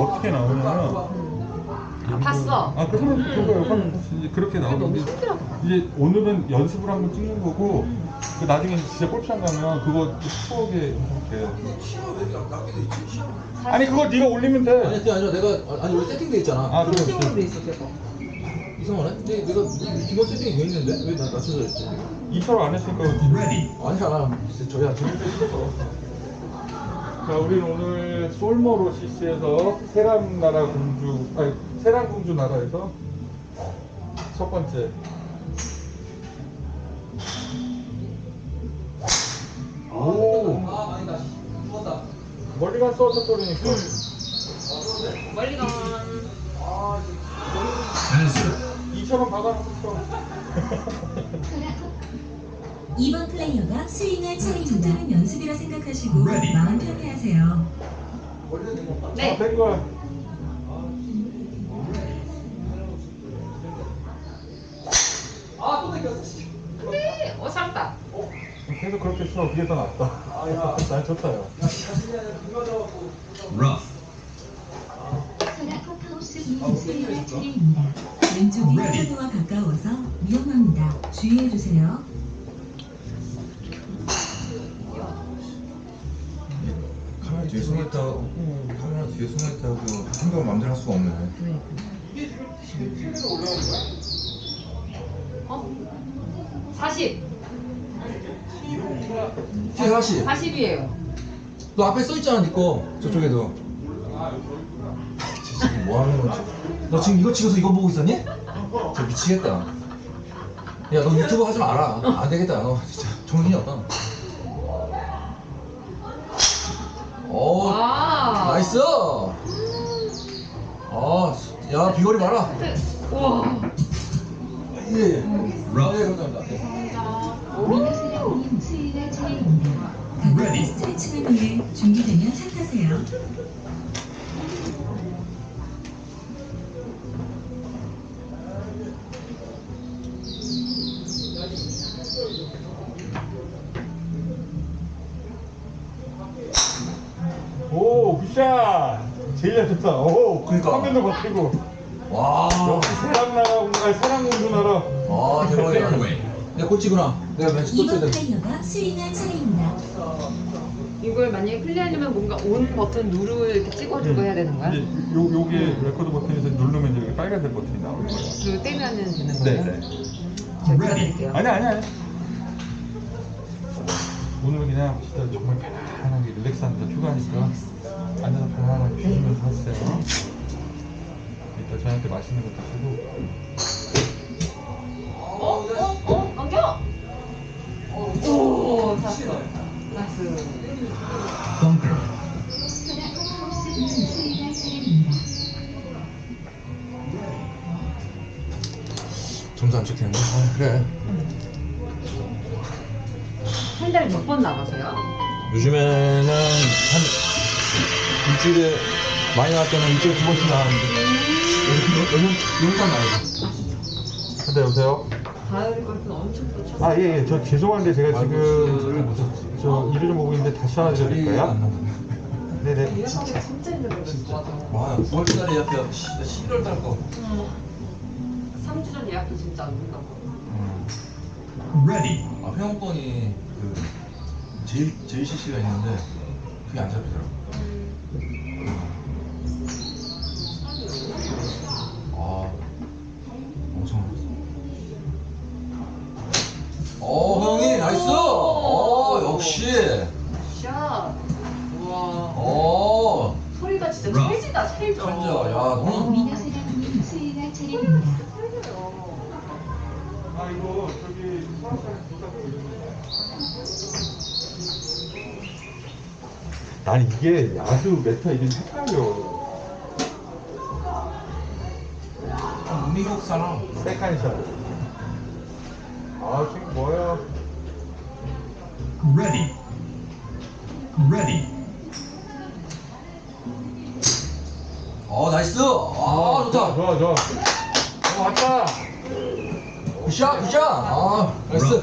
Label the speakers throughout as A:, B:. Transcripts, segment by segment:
A: 어떻게 나오냐면
B: 봤어.
A: 아 그러면 그거요. 이제 그렇게 나오는데 이제 오늘은 연습을 한번 찍는 거고 그 나중에 진짜 골프장 가면 그거 추억에 이렇게 아니 그거 네가 올리면 돼.
C: 아니 그게 아니라 내가 아니 원래 세팅돼 있잖아.
A: 아 그래.
B: 세팅으로 돼 있어 계속.
C: 이상하네? 근데 내가 기본 세팅이 돼 있는데 왜 나 낮춰져 있지?
A: 2차로 안 했으니까 그렇지.
C: 아니야 진짜 저야 재밌게 했어.
A: 자, 우리는 오늘 솔모로시스에서 세람나라 공주, 아니 세람공주 나라에서 첫 번째. 오,
C: 아 아니다 죽었다.
A: 멀리 갔어, 첫 소리니까.
B: 멀리 가.
A: 2처럼 박아놓고
D: 2번 플레이어가 스윙할 차례입니다. 연습이라 생각하시고 마음 편히 하세요.
B: 네.
A: 된 거야.
C: 아또 땡겼어.
B: 네. 살았다.
A: 계속 그렇게 쳐. 그게 더 낫다. 난 좋다, 요.
D: 소라컵하우스 스윙할 차례입니다. 왼쪽이 하도와 가까워서 위험합니다. 주의해주세요.
E: 카메라 뒤에 숨을 타고 카메라 뒤에 숨을 타고 생각을 마음대로 할 수가 없네.
B: 어? 40.
C: 40.
B: 40이에요.
C: 너 앞에 써 있잖아 니꺼 저쪽에도.
E: 쟤 지금 뭐 하는 거지?
C: 너 지금 이거 찍어서 이거 보고 있었니? 저 미치겠다. 야 너 유튜브 하지 마라. 안 되겠다. 너 진짜 정신이 없다. 오
B: 와.
C: 나이스. 아야 비거리 봐라.
B: 우와.
C: 예. 감사합니다.
D: 미나스라님 스윙할 차례입니다. 가볍게 스트레칭을 위해 준비되면 시작하세요.
A: 오, 굿샷! 제일 잘 쳤다. 오,
C: 그러니까.
A: 화면도 바뀌고.
C: 와.
A: 역시 세람공주 나라.
C: 아 대박이다. 내가 꼴찌구나. 내가 왠지 또 쳐야
D: 2번
C: 돼.
D: 플레이어가 스윙할 차례입니다.
B: 이걸 만약에 클리어하려면 뭔가 온 버튼 누르 이렇게 찍어주고 해야 되는 거야?
A: 이제 요게 레코드 버튼에서 누르면 이제 빨간색 버튼이 나오는 거예요.
B: 그리고 떼면은 되는 거예요?
A: 네.
B: 제가 들어드릴게요.
A: 아니. 오늘 그냥 진짜 정말 편안하게 릴렉스하면서 휴가니까 앉아서 편안하게 쉬시면서 하세요. 이따 저한테 맛있는 거 드시고.
B: 넘겨! 오, 샀어. 나이스.
D: 소라컵하우스 스윙할 차례입니다.
C: 점수 안 찍히는데? 아 그래.
B: 한 달에 몇 번 나가세요?
C: 요즘에는 한 일주일에 많이 나갈 때는 일주일에 2번씩 나가는데 요즘 용산 나가요.
A: 네, 여보세요?
B: 가을 골프는 엄청 또 쳤어요.
A: 아, 예. 저 죄송한데 제가
C: 아이고,
A: 지금 저 일을 좀 보고 있는데 다시 하나 드릴까요? 네네.
B: 일하기가 진짜 힘들었어.
C: 와 9월달에 예약해야 11월달 거.
B: 3주 전 예약도 진짜 안 된다고.
C: 아 회원권이 그 JCC가 있는데 그게 안 잡히더라고. 아 엄청 형이 나이스. 역시.
B: 샷. 우와. 소리가 진짜 찰지다, 찰져.
C: 천재. 야 너는
D: 미나스라님 스윙할 차례입니다.
B: 찰져요.
A: 아, 이거 저기 수학산에 부탁드리는데. 난 이게 야수 메타 이게 헷갈려.
C: 미국 사람.
A: 세컨샷. 아, 지금 뭐야?
C: 나이스. 좋다.
A: 좋아. 왔다.
C: 굿샷. 나이스.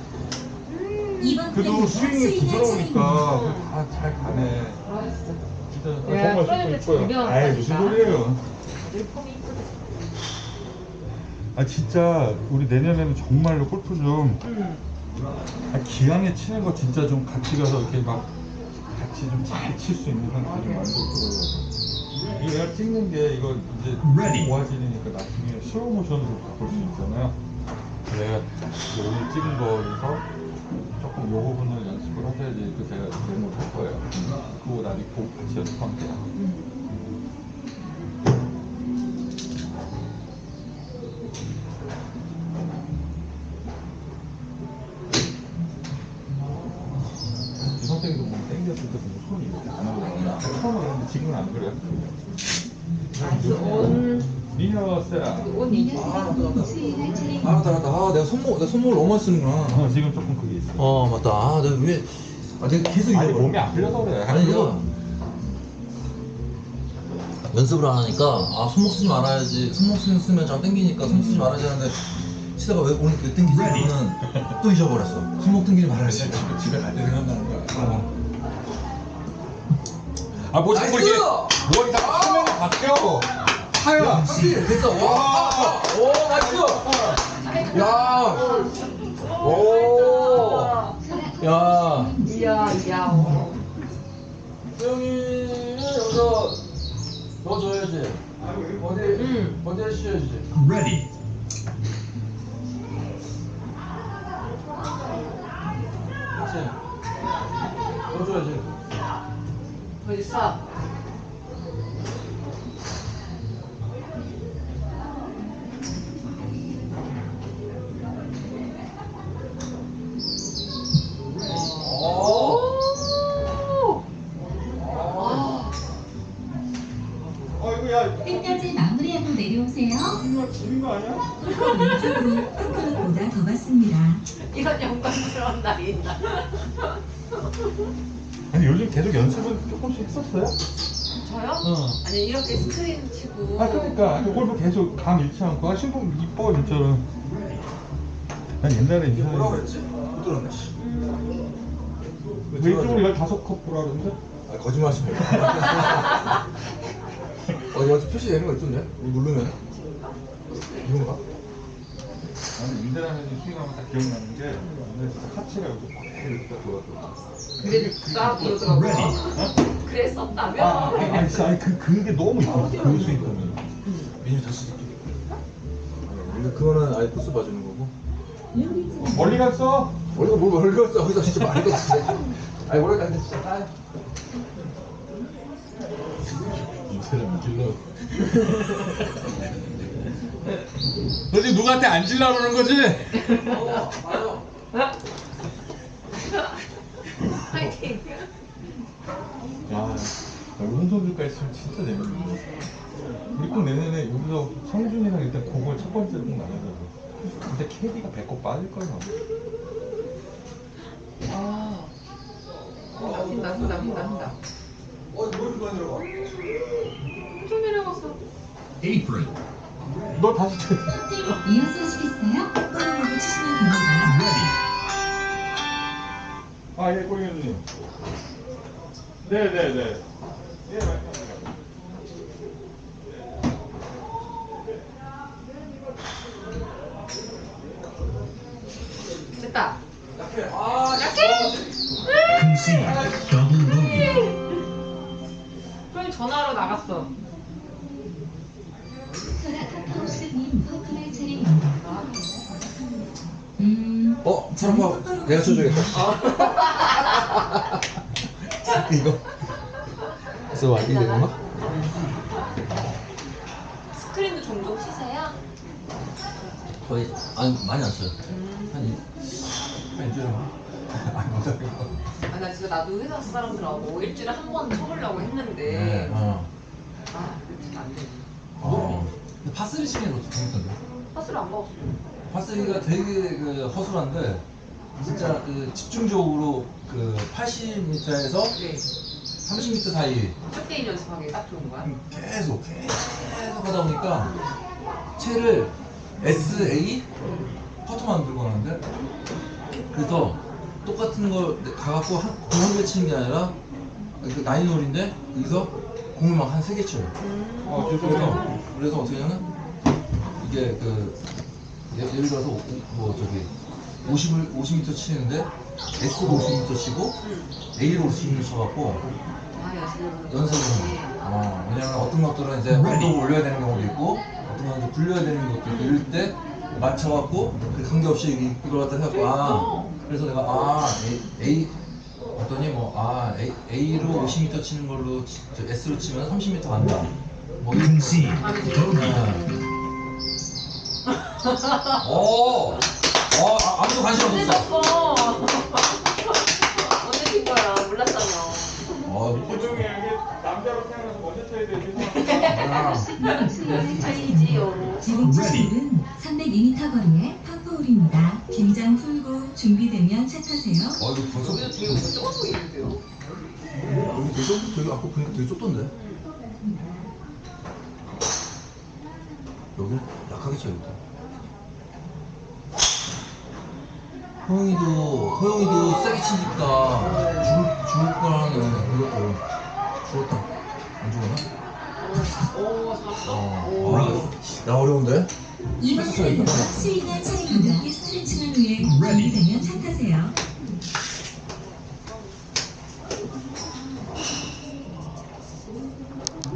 D: 2번
A: 그래도
D: 플레이어가
A: 스윙이
D: 스윙할 차례입니다.
A: 부드러우니까 다 잘 가네.
B: 알았어.
A: 진짜
B: 야,
A: 정말
B: 프로젝트
A: 신고
B: 잘
A: 이뻐요. 아이 무슨
B: 배웠다니까.
A: 소리예요?
B: 다들 폼이 이쁘다.
A: 아 진짜 우리 내년에는 정말로 골프 좀 기왕에 치는 거 진짜 좀 같이 가서 이렇게 막 같이 좀 잘 칠 수 있는 상태 좀 만들고 이거 내가 찍는 게 이거 이제 모아지니까 나중에 슬로우 모션으로 바꿀 수 있잖아요. 내가 오늘 찍은 거에서 조금 요 부분을 연습을 하셔야지 그 제가 메모를 할 거예요. 그거 나중에 보고 같이 연습하면 돼요. 이 선생님도 뭐 땡겼을 때 보면 손이 이렇게 안 하거든요. 처음에 그랬는데 지금은 안 그래요.
B: 나이스 온.
A: 리허 세라.
B: 온 이지.
D: 수행할 차례입니다.
C: 아 맞다. 아 내가 손목을 너무 많이 쓰는구나.
A: 지금 조금 그게 있어.
C: 맞다. 아 내가 왜? 내가 계속
A: 아니
C: 이거
A: 몸이 안 풀려서 그래.
C: 아니 내가 연습을 안 하니까 손목 쓰지 말아야지. 손목 쓰면 잘 땡기니까 손 쓰지 말아야지 하는데 치다가 왜 오늘 그 땡기지 그러면 또 잊어버렸어. 손목 땡기지 말아야지.
E: 집에 갈 때 생각나는 거야.
A: 아뭐 자꾸
C: 나이스!
A: 이렇게 뭐 이렇게 화면이 바뀌어. 하야.
C: 됐어. 와. 오 나이스. 야. 오. 야.
B: 이야 이야.
C: 수영이는 여기서 넣어줘야지. 어디 해주셔야지. 그렇지. 넣어줘야지.
B: 더 있어. 오.
A: 이거 야
D: 끝까지 마무리하고 내려오세요.
A: 이거 지는 거 아니야?
D: 왼쪽으로 콩크보다 더 받습니다.
B: 이런 영광스러운 날이 있나?
A: 아니 요즘 계속 연습은 조금씩 했었어요?
B: 저요? 아니 이렇게 스크린 치고.
A: 그러니까 골프 계속 감 잃지 않고 신품 이뻐 진짜로. 난 옛날에
C: 이게 뭐라고
A: 인사해.
C: 그랬지? 못 들었네.
A: 왼쪽으로 15컵 보라 그러는데?
C: 아 거짓말 하지 말고. 여기 표시되는 거 있던데? 이거 누르면? 이건가?
A: 나는 인대라면이 스윙하면 딱 기억나는 게 근데 진짜 카치가 여기서 막 이렇게 딱 돌았어.
B: 그랬다 그러더라고. 그랬었다며?
A: 아니 진짜 그게 너무 이뻐. 그 스윙감이.
C: 메뉴 다 쓰지. 근데 그거는 아예 코스 봐주는 거고.
A: 멀리 갔어?
C: 원래가 뭘 멀리 갔어? 거기서 진짜 많이 갔어. 아니 원래 근데 진짜
E: 이 사람 질러.
A: 너 지금 누구한테 앉으려고 그러는 거지?
C: 맞아.
B: 파이팅.
A: 야, 오른손들까 있으면 진짜 재밌는데. 우리 꼭 내년에 여기서 성준이랑 일단 그걸 첫 번째로 꼭 나가자고. 근데 캐디가 배꼽 빠질 거야.
B: 아. 흰다 흰다 흰다 흰다.
C: 뭐 이렇게 많이 들어가?
B: 좀 내려갔어.
A: 너 다시
D: 이어서 하시겠어요? 꼬리보고 치시면 됩니다.
A: 예, 꼬리현님. 네네네. 예, 말씀하세요.
B: 됐다.
C: 약해.
B: 그럼 전화로 나갔어.
D: 소라카카우스님 퍼플할 차례입니다.
C: 잠깐만. 내가 쳐줘야겠다. 이거. 그래서 완이 되나?
B: 스크린도 종종 치세요?
C: 거의 많이 안 쳐요. 한 일주일에 안 못하고.
B: 아, 나 진짜 나도 회사 사람들하고 일주일에 한 번 쳐보려고 했는데
C: 네.
B: 그렇게 안 돼.
C: 근데 파스리 치는 것도 재밌던데.
B: 파스를 안 먹었어.
C: 파스리가 되게 허술한데 진짜 집중적으로 80m에서
B: 네.
C: 30m 사이
B: 샷게임 연습하기 딱 좋은 거야?
C: 계속 하다 보니까 채를 SA 퍼터만 들고 가는데 그래서 똑같은 걸 가갖고 한 개 치는 게 아니라 그 나인홀인데 여기서 공을 막 한 3개 쳐요. 그래서 어떻게 하냐면 이게 그 예를 들어서 뭐 저기 50m 치는데 S로 50m 치고 A로 50m 쳐갖고
B: 아,
C: 연습을 왜냐면 어떤 것들은 이제 언덕을 올려야 되는 경우도 있고 어떤 건 이제 굴려야 되는 것도 있고 이럴 때 맞춰갖고 그 관계없이 이걸 갖다 해갖고 그래서 내가 A 어떠니 A로 50m 치는 걸로 S로 치면 30m 간다 뭐 이런 아무도 관심 없었어.
B: 언제 친 거야? 몰랐잖아.
A: 조종이 이게 남자로 태어나서 먼저 쳐야 돼.
B: 차이지요.
D: 지금 치실은 302m 거리의 파포홀입니다. 긴장 풀고 준비되면 차 타세요.
C: 이거 벌써
B: 여기도 되게 뭔가 좁아 보이는데요?
C: 여기 되게 아까 보니까 되게 좁던데. 여기는 약하게 쳐야겠다. 호영이도 세게 치니까 죽을 거라는 그것도 죽었다. 안 죽었나?
B: 오, 잘한다.
C: 야 어려운데?
D: 2번 플레이어가 스윙할 차례입니다. 스트레칭을 위해 준비되면 차 타세요.